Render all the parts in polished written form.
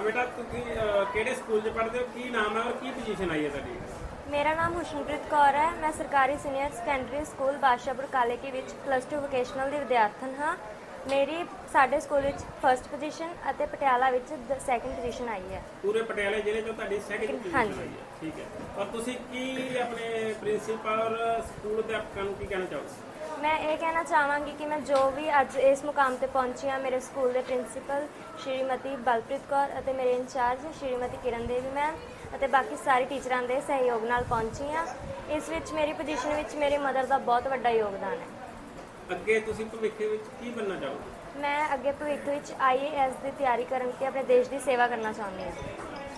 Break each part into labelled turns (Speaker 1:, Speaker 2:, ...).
Speaker 1: बेटा ਤੁਸੀਂ ਕਿਹੜੇ ਸਕੂਲ 'ਚ ਪੜ੍ਹਦੇ ਹੋ, ਕੀ ਨਾਮ ਹੈ ਔਰ ਕੀ ਪੋਜੀਸ਼ਨ ਆਈ ਹੈ ਤੁਹਾਡੀ?
Speaker 2: मेरा नाम हुशनप्रीत कौर है। मैं सरकारी senior secondary school Badshahpur Kaleki विच +2 वोकेशनल दी विद्यार्थन हाँ। मेरी साडे स्कूल विच फर्स्ट पोजीशन ਅਤੇ ਪਟਿਆਲਾ ਵਿੱਚ ਸੈਕੰਡ ਪੋਜੀਸ਼ਨ ਆਈ ਹੈ।
Speaker 1: ਪੂਰੇ ਪਟਿਆਲੇ ਜ਼ਿਲ੍ਹੇ 'ਚੋਂ ਤੁਹਾਡੀ ਸੈਕਿੰਡ ਪੋਜੀਸ਼ਨ ਆਈ ਹੈ। ਠੀਕ ਹੈ, ਔਰ ਤੁਸੀਂ ਕੀ ਆਪਣੇ ਪ੍ਰਿੰਸੀਪਲ ਔਰ ਸਕੂਲ ਅਧਿਆਪਕਾਂ ਨੂੰ ਕੀ ਕਹਿਣਾ ਚਾਹੋਗੇ?
Speaker 2: मैं ये कहना चाहवागी कि मैं जो भी अज इस मुकाम पर पहुंची हाँ, मेरे स्कूल के प्रिंसीपल श्रीमती बलप्रीत कौर और मेरे इंचार्ज श्रीमती किरण देवी मैम और बाकी सारे टीचरों के सहयोग नाल पहुंची हाँ। इस विच मेरी पोजीशन विच मेरी मदर का बहुत बड़ा योगदान है।
Speaker 1: ਅੱਗੇ ਤੁਸੀਂ ਭਵਿੱਖ ਵਿੱਚ ਕੀ ਬਣਨਾ ਚਾਹੋਗੇ?
Speaker 2: मैं अगे भविख विच IAS की तैयारी करके अपने देश की सेवा करना चाहती हूँ।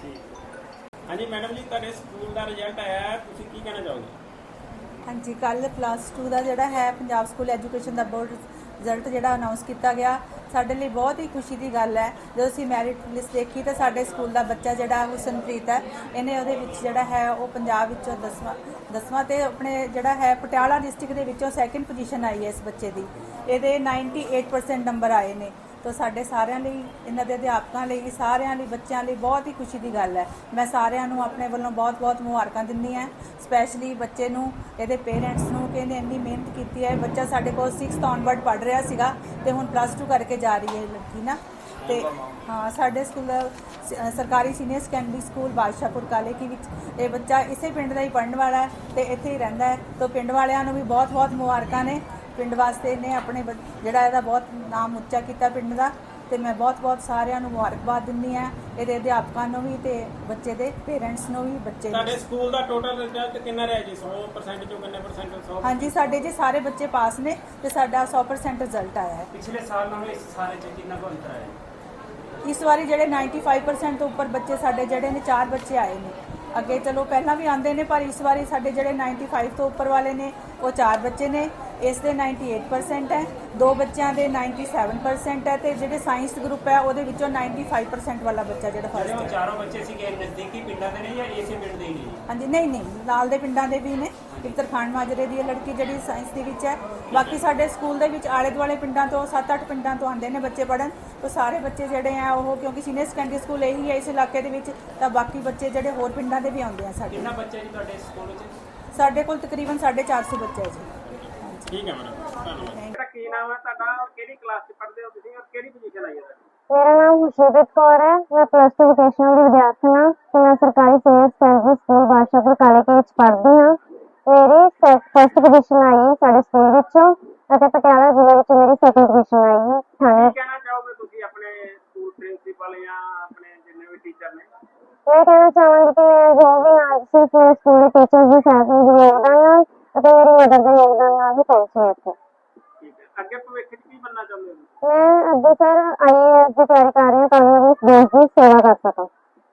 Speaker 1: हाँ जी मैडम जी, ਤੁਹਾਡੇ ਸਕੂਲ ਦਾ ਰਿਜ਼ਲਟ ਆਇਆ ਹੈ, ਤੁਸੀਂ ਕੀ ਕਹਿਣਾ ਚਾਹੋਗੇ?
Speaker 3: हाँ जी, कल +2 का जोड़ा है पंजाब स्कूल एजुकेशन का बोर्ड रिजल्ट जो अनाउंस किया गया, साडे लिए बहुत ही खुशी की गल है। जो असीं मैरिट लिस्ट देखी तो साडे स्कूल का बच्चा जोड़ा हुसनप्रीत है, इन्हें उहदे विच जोड़ा है वो पंजाब विचों 10वां ते अपने जोड़ा है पटियाला डिस्ट्रिक्ट दे विचों सैकेंड पोजीशन आई है इस बच्चे की। ये 98% नंबर आए ने। तो साडे सारिਆਂ ਲਈ ਇਹਨਾਂ ਦੇ ਅਧਿਆਪਕਾਂ ਲਈ ਸਾਰਿਆਂ ਲਈ ਬੱਚਿਆਂ ਲਈ ਬਹੁਤ ਹੀ ਖੁਸ਼ੀ ਦੀ ਗੱਲ ਹੈ। ਮੈਂ ਸਾਰਿਆਂ ਨੂੰ ਆਪਣੇ ਵੱਲੋਂ ਬਹੁਤ-ਬਹੁਤ ਮੁਬਾਰਕਾਂ ਦਿੰਦੀ ਹਾਂ, ਸਪੈਸ਼ਲੀ ਬੱਚੇ ਨੂੰ, ਇਹਦੇ ਪੇਰੈਂਟਸ ਨੂੰ ਕਿ ਇਹਨੇ ਇੰਨੀ ਮਿਹਨਤ ਕੀਤੀ ਹੈ। ਬੱਚਾ ਸਾਡੇ ਕੋਲ 6th ਔਨਵਰਡ ਪੜ੍ਹ ਰਿਹਾ ਸੀਗਾ ਤੇ ਹੁਣ +2 ਕਰਕੇ ਜਾ ਰਹੀ ਹੈ ਲੜਕੀ ਨਾ। ਤੇ ਹਾਂ, ਸਾਡੇ ਸਕੂਲ ਸਰਕਾਰੀ senior secondary school Badshahpur Kaleki ਵਿੱਚ ਇਹ ਬੱਚਾ ਇਸੇ ਪਿੰਡ ਦਾ ਹੀ ਪੜ੍ਹਨ ਵਾਲਾ ਹੈ ਤੇ ਇੱਥੇ ਹੀ ਰਹਿੰਦਾ ਹੈ। तो ਪਿੰਡ ਵਾਲਿਆਂ ਨੂੰ ਵੀ ਬਹੁਤ-ਬਹੁਤ ਮੁਬਾਰਕਾਂ ਨੇ। ਪਿੰਡ ਵਾਸਤੇ ਨੇ ਆਪਣੇ ਜਿਹੜਾ ਇਹਦਾ ਬਹੁਤ ਨਾਮ ਉੱਚਾ ਕੀਤਾ ਪਿੰਡ ਦਾ, ਤੇ ਮੈਂ ਬਹੁਤ ਸਾਰਿਆਂ ਨੂੰ ਮੁਬਾਰਕਬਾਦ ਦਿੰਦੀ ਹਾਂ, ਇਹਦੇ ਅਧਿਆਪਕਾਂ ਨੂੰ ਵੀ ਤੇ ਬੱਚੇ ਦੇ ਪੇਰੈਂਟਸ ਨੂੰ ਵੀ। ਬੱਚੇ
Speaker 1: ਤੁਹਾਡੇ ਸਕੂਲ ਦਾ ਟੋਟਲ ਰਿਜ਼ਲਟ ਕਿੰਨਾ ਰਿਹਾ ਜੀ? 100% ਚੋਂ ਕਿੰਨੇ ਪਰਸੈਂਟ? 100?
Speaker 3: ਹਾਂਜੀ, ਸਾਡੇ ਜੀ ਸਾਰੇ ਬੱਚੇ ਪਾਸ ਨੇ ਤੇ ਸਾਡਾ 100% ਰਿਜ਼ਲਟ ਆਇਆ ਹੈ।
Speaker 1: ਪਿਛਲੇ ਸਾਲ ਨਾਲੋਂ ਇਸ ਸਾਰੇ 'ਚ ਕਿੰਨਾ ਕੁ ਅੰਤਰ ਆਇਆ?
Speaker 3: ਇਸ ਵਾਰੀ ਜਿਹੜੇ 95% ਤੋਂ ਉੱਪਰ ਬੱਚੇ ਸਾਡੇ ਜਿਹੜੇ ਨੇ 4 ਬੱਚੇ ਆਏ ਨੇ। ਅੱਗੇ ਚਲੋ ਪਹਿਲਾਂ ਵੀ ਆਉਂਦੇ ਨੇ, ਪਰ ਇਸ ਵਾਰੀ ਸਾਡੇ ਜਿਹੜੇ 95 ਤੋਂ ਉੱਪਰ ਵਾਲੇ ਨੇ ਉਹ 4 ਬੱਚੇ ਨੇ। ਇਸ ਦੇ 98% ਹੈ, 2 ਬੱਚਿਆਂ ਦੇ 97% ਹੈ ਤੇ ਜਿਹੜੇ ਸਾਇੰਸ ਗਰੁੱਪ ਹੈ ਉਹਦੇ ਵਿੱਚੋਂ 95% ਵਾਲਾ ਬੱਚਾ ਜਿਹੜਾ ਫਸਟ ਹੈ।
Speaker 1: ਚਾਰੋਂ ਬੱਚੇ ਸੀਗੇ ਨਜ਼ਦੀਕੀ ਪਿੰਡਾਂ ਦੇ ਨੇ ਜਾਂ ਇਸੇ ਪਿੰਡ ਦੇ ਹੀ ਨੇ?
Speaker 3: ਹਾਂਜੀ, ਨਹੀਂ ਨਾਲ ਦੇ ਪਿੰਡਾਂ ਦੇ ਵੀ ਨੇ। ਇੱਕ ਤਰਖਾਣ ਮਾਜਰੇ ਦੀ ਲੜਕੀ ਜਿਹੜੀ ਸਾਇੰਸ ਦੇ ਵਿੱਚ ਹੈ। ਬਾਕੀ ਸਾਡੇ ਸਕੂਲ ਦੇ ਵਿੱਚ ਆਲੇ ਦੁਆਲੇ ਪਿੰਡਾਂ ਤੋਂ 7-8 ਪਿੰਡਾਂ ਤੋਂ ਆਉਂਦੇ ਨੇ ਬੱਚੇ ਪੜ੍ਹਨ। तो सारे बच्चे जोड़े हैं वो, क्योंकि सीनियर सैकेंडरी स्कूल यही है इस इलाके के विच, तो बाकी बच्चे जोड़े होर पिंडां दे भी आउंदे हैं। साडे
Speaker 1: कितना बच्चे जी तुहाडे स्कूल विच?
Speaker 3: साडे कोल तकरीबन 450 बच्चे है जी।
Speaker 1: ठीक है मैडम, धन्यवाद। की नाम है तुहाडा और केड़ी क्लास च पढ़दे हो तुसीं और केड़ी पोजीशन आई है?
Speaker 2: मेरा नाम हुशनप्रीत कौर है। मैं +2 वोकेशनल की विद्यार्थी हाँ तो मैं सरकारी senior secondary school Badshahpur Kaleke विच पढ़दी हाँ। मेरी फर्स्ट पोजीशन आई है साडे स्कूल विचों ਅਤੇ ਪਟਿਆਲਾ ਜ਼ਿਲ੍ਹੇ ਵਿੱਚ ਮੇਰੀ ਸੈਕੰਡ ਪੋਜੀਸ਼ਨ ਆਈ ਹੈ।
Speaker 1: ਕੀ ਕਹਿਣਾ ਚਾਹੋਗੇ ਤੁਸੀਂ ਆਪਣੇ ਸਕੂਲ ਪ੍ਰਿੰਸੀਪਲ ਜਾਂ ਆਪਣੇ ਜਿੰਨੇ ਵੀ ਟੀਚਰ ਨੇ?
Speaker 2: मैं कहना चाहूँगी कि मैं जो भी आज सिर्फ मेरे स्कूल के टीचर्स की सहायता योगदान है और मेरी मदद का योगदान ही पहुँची है इतने।
Speaker 1: ठीक है, आगे भविष्य में की बनना चाहते हो?
Speaker 2: मैं अगे सर IAS की तैयारी कर रही हूँ ताकि मैं इस देश की सेवा कर सकूँ।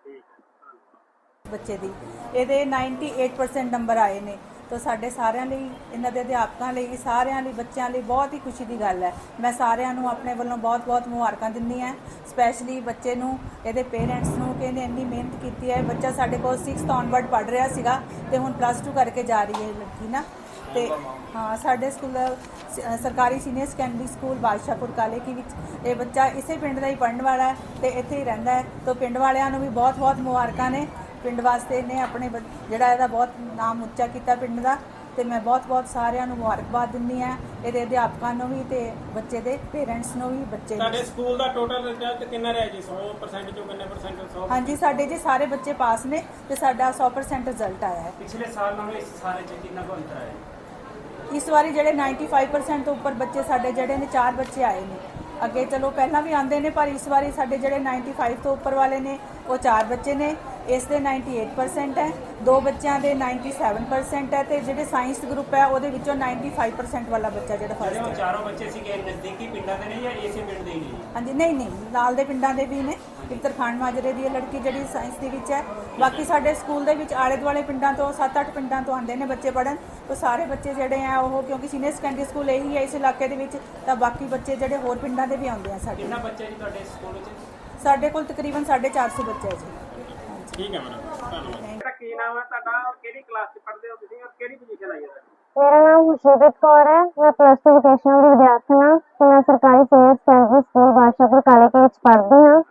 Speaker 3: ਬੱਚੇ ਦੀ ਇਹਦੇ 98% ਨੰਬਰ ਆਏ ਨੇ। तो साढ़े सारिਆਂ ਲਈ ਇਹਨਾਂ ਦੇ ਅਧਿਆਪਕਾਂ ਲਈ ਸਾਰਿਆਂ ਲਈ ਬੱਚਿਆਂ ਲਈ ਬਹੁਤ ਹੀ ਖੁਸ਼ੀ ਦੀ ਗੱਲ ਹੈ। ਮੈਂ ਸਾਰਿਆਂ ਨੂੰ ਆਪਣੇ ਵੱਲੋਂ ਬਹੁਤ ਮੁਬਾਰਕਾਂ ਦਿੰਦੀ ਹਾਂ, ਸਪੈਸ਼ਲੀ ਬੱਚੇ ਨੂੰ, ਇਹਦੇ ਪੇਰੈਂਟਸ ਨੂੰ ਕਿ ਇਹਨੇ ਇੰਨੀ ਮਿਹਨਤ ਕੀਤੀ ਹੈ। ਬੱਚਾ ਸਾਡੇ ਕੋਲ 6th ਔਨਵਰਡ ਪੜ੍ਹ ਰਿਹਾ ਸੀਗਾ ਤੇ ਹੁਣ +2 ਕਰਕੇ ਜਾ ਰਹੀ ਹੈ ਲੜਕੀ ਨਾ। ਤੇ ਹਾਂ, ਸਾਡੇ ਸਕੂਲ ਸਰਕਾਰੀ senior secondary school Badshahpur Kaleki ਵਿੱਚ ਇਹ ਬੱਚਾ ਇਸੇ ਪਿੰਡ ਦਾ ਹੀ ਪੜ੍ਹਨ ਵਾਲਾ ਹੈ ਤੇ ਇੱਥੇ ਹੀ ਰਹਿੰਦਾ ਹੈ। तो ਪਿੰਡ ਵਾਲਿਆਂ ਨੂੰ ਵੀ ਬਹੁਤ ਮੁਬਾਰਕਾਂ ਨੇ। ਪਿੰਡ ਵਾਸਤੇ ਨੇ ਆਪਣੇ ਜਿਹੜਾ ਇਹਦਾ ਬਹੁਤ ਨਾਮ ਉੱਚਾ ਕੀਤਾ ਪਿੰਡ ਦਾ, ਤੇ ਮੈਂ ਬਹੁਤ ਸਾਰਿਆਂ ਨੂੰ ਮੁਬਾਰਕਬਾਦ ਦਿੰਦੀ ਹਾਂ, ਇਹਦੇ ਅਧਿਆਪਕਾਂ ਨੂੰ ਵੀ ਤੇ ਬੱਚੇ ਦੇ ਪੇਰੈਂਟਸ ਨੂੰ ਵੀ। ਬੱਚੇ
Speaker 1: ਤੁਹਾਡੇ ਸਕੂਲ ਦਾ ਟੋਟਲ ਰਿਜ਼ਲਟ ਕਿੰਨਾ ਰਿਹਾ ਜੀ? 100% ਚੋਂ ਕਿੰਨੇ ਪਰਸੈਂਟ? 100?
Speaker 3: ਹਾਂਜੀ, ਸਾਡੇ ਜੀ ਸਾਰੇ ਬੱਚੇ ਪਾਸ ਨੇ ਤੇ ਸਾਡਾ 100% ਰਿਜ਼ਲਟ ਆਇਆ ਹੈ।
Speaker 1: ਪਿਛਲੇ ਸਾਲ ਨਾਲੋਂ ਇਸ ਸਾਰੇ 'ਚ ਕਿੰਨਾ ਕੁ ਅੰਤਰ ਆਇਆ?
Speaker 3: ਇਸ ਵਾਰੀ ਜਿਹੜੇ 95% ਤੋਂ ਉੱਪਰ ਬੱਚੇ ਸਾਡੇ ਜਿਹੜੇ ਨੇ 4 ਬੱਚੇ ਆਏ ਨੇ। ਅੱਗੇ ਚਲੋ ਪਹਿਲਾਂ ਵੀ ਆਉਂਦੇ ਨੇ, ਪਰ ਇਸ ਵਾਰੀ ਸਾਡੇ ਜਿਹੜੇ 95 ਤੋਂ ਉੱਪਰ ਵਾਲੇ ਨੇ ਉਹ 4 ਬੱਚੇ ਨੇ। ਇਸ ਦੇ 98% ਹੈ, 2 ਬੱਚਿਆਂ ਦੇ 97% ਹੈ ਤੇ ਜਿਹੜੇ ਸਾਇੰਸ ਗਰੁੱਪ ਹੈ ਉਹਦੇ ਵਿੱਚੋਂ 95% ਵਾਲਾ ਬੱਚਾ ਜਿਹੜਾ ਫਸਟ ਹੈ।
Speaker 1: ਚਾਰੋਂ ਬੱਚੇ ਸੀਗੇ ਨਜ਼ਦੀਕੀ ਪਿੰਡਾਂ ਦੇ ਨੇ ਜਾਂ ਇਸੇ ਪਿੰਡ ਦੇ ਹੀ ਨੇ?
Speaker 3: ਹਾਂਜੀ, ਨਹੀਂ ਨਾਲ ਦੇ ਪਿੰਡਾਂ ਦੇ ਵੀ ਨੇ। ਇੱਕ ਤਰਖਾਣ ਮਾਜਰੇ ਦੀ ਲੜਕੀ ਜਿਹੜੀ ਸਾਇੰਸ ਦੇ ਵਿੱਚ ਹੈ। ਬਾਕੀ ਸਾਡੇ ਸਕੂਲ ਦੇ ਵਿੱਚ ਆਲੇ ਦੁਆਲੇ ਪਿੰਡਾਂ ਤੋਂ 7-8 ਪਿੰਡਾਂ ਤੋਂ ਆਉਂਦੇ ਨੇ ਬੱਚੇ ਪੜ੍ਹਨ। तो सारे बच्चे जोड़े हैं वो, क्योंकि सीनियर सैकेंडरी स्कूल यही है इस इलाके के विच, तो बाकी बच्चे जोड़े होर पिंडां दे भी आउंदे हैं। साडे
Speaker 1: कितना बच्चे जी तुहाडे स्कूल विच?
Speaker 3: साडे कोल तकरीबन 450 बच्चे है जी।
Speaker 1: ठीक है मैडम, धन्यवाद। की नाम है तुहाडा और केड़ी क्लास च पढ़दे हो तुसीं और केड़ी पोजीशन आई है?
Speaker 2: मेरा नाम हुशनप्रीत कौर है। मैं +2 वोकेशनल की विद्यार्थी हाँ तो मैं सरकारी senior secondary school Badshahpur Kaleke विच पढ़दी हाँ।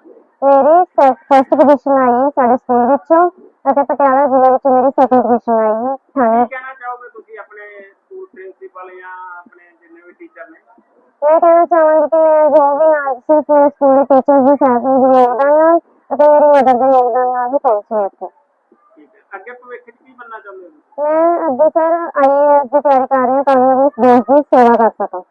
Speaker 2: ਮੇਰੀ ਫਸਟ ਪੋਜੀਸ਼ਨ ਆਈ ਹੈ ਸਾਡੇ ਸਕੂਲ ਵਿੱਚੋਂ ਅਤੇ ਪਟਿਆਲਾ ਜ਼ਿਲ੍ਹੇ ਵਿੱਚ ਮੇਰੀ ਸੈਕੰਡ ਪੋਜੀਸ਼ਨ ਆਈ ਹੈ
Speaker 1: ਕੀ ਕਹਿਣਾ ਚਾਹੋਗੇ ਤੁਸੀਂ ਆਪਣੇ ਸਕੂਲ ਪ੍ਰਿੰਸੀਪਲ ਜਾਂ ਆਪਣੇ ਜਿੰਨੇ ਵੀ ਟੀਚਰ ਨੇ?
Speaker 2: ਮੈਂ ਕਹਿਣਾ ਚਾਹਾਂਗੀ ਕਿ ਮੈਂ ਜੋ ਵੀ ਅੱਜ ਸਿਰਫ ਮੇਰੇ ਸਕੂਲ ਦੇ ਟੀਚਰਸ ਦੀ ਸਹਾਇਤਾ ਦੇ ਯੋਗਦਾਨ ਨਾਲ ਅਤੇ ਮੇਰੀ ਮਦਰ ਦੇ ਯੋਗਦਾਨ ਨਾਲ ਹੀ ਪਹੁੰਚੀ ਇੱਥੇ।
Speaker 1: ਠੀਕ ਹੈ, ਅੱਗੇ ਭਵਿੱਖ 'ਚ ਕੀ ਬਣਨਾ ਚਾਹੁੰਦੇ ਹੋ?
Speaker 2: ਮੈਂ ਅੱਗੇ ਸਰ IAS ਦੀ ਤਿਆਰੀ ਕਰ ਰਹੀ ਹਾਂ ਤਾਂ ਮੈਂ ਇਸ ਦੇਸ਼ ਦੀ ਸੇਵਾ ਕਰ ਸਕਾਂ।